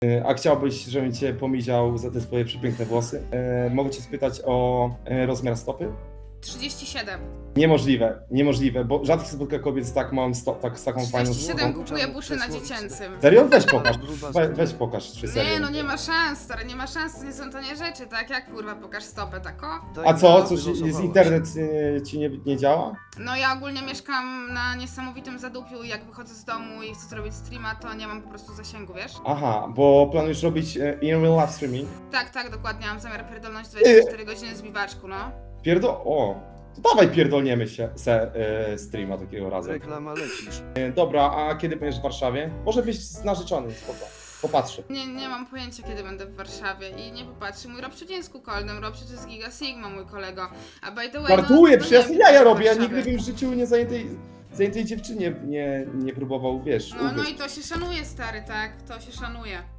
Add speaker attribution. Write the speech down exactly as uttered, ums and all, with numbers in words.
Speaker 1: E, A chciałbyś, żebym cię pomiział za te swoje przepiękne włosy? E, mogę cię spytać o e, rozmiar stopy?
Speaker 2: trzydzieści siedem.
Speaker 1: Niemożliwe, niemożliwe, bo rzadko spotka kobiet z tak małym sto, tak, z taką fajną
Speaker 2: trzydzieści siedem
Speaker 1: stopą.
Speaker 2: kupuję buty na dziecięcym.
Speaker 1: Serio? Weź pokaż, we, weź pokaż, czy serio.
Speaker 2: Nie, no nie ma szans, stary, nie ma szans, to nie są tanie rzeczy, tak? Jak kurwa, pokaż stopę, tako?
Speaker 1: A co, coś, z internet e, ci nie, nie działa?
Speaker 2: No ja ogólnie mieszkam na niesamowitym zadupiu i jak wychodzę z domu i chcę zrobić streama, to nie mam po prostu zasięgu, wiesz?
Speaker 1: Aha, bo planujesz robić e, in real live streaming?
Speaker 2: Tak, tak, dokładnie, mam zamiar pierdolnąć dwadzieścia cztery godziny z biwaczku, no.
Speaker 1: Pierdo... O, to dawaj pierdolniemy się se, e, streama takiego razu.
Speaker 3: Reklama lecisz.
Speaker 1: E, dobra, a kiedy będziesz w Warszawie? Może być z narzeczonym, spoko. Popatrzę.
Speaker 2: Nie, nie mam pojęcia, kiedy będę w Warszawie i nie popatrzy. Mój Robciu nie jest kukolnym, Robciu to jest Giga Sigma, mój kolego. A by the way,
Speaker 1: Żartuję,
Speaker 2: no,
Speaker 1: przecież
Speaker 2: no
Speaker 1: ja
Speaker 2: nie
Speaker 1: jaja
Speaker 2: wiem,
Speaker 1: robię, ja
Speaker 2: w
Speaker 1: nigdy
Speaker 2: Warszawie.
Speaker 1: bym w życiu nie zajętej, zajętej dziewczynie nie, nie próbował, wiesz,
Speaker 2: No, no
Speaker 1: ugryźć.
Speaker 2: i to się szanuje, stary, tak? To się szanuje.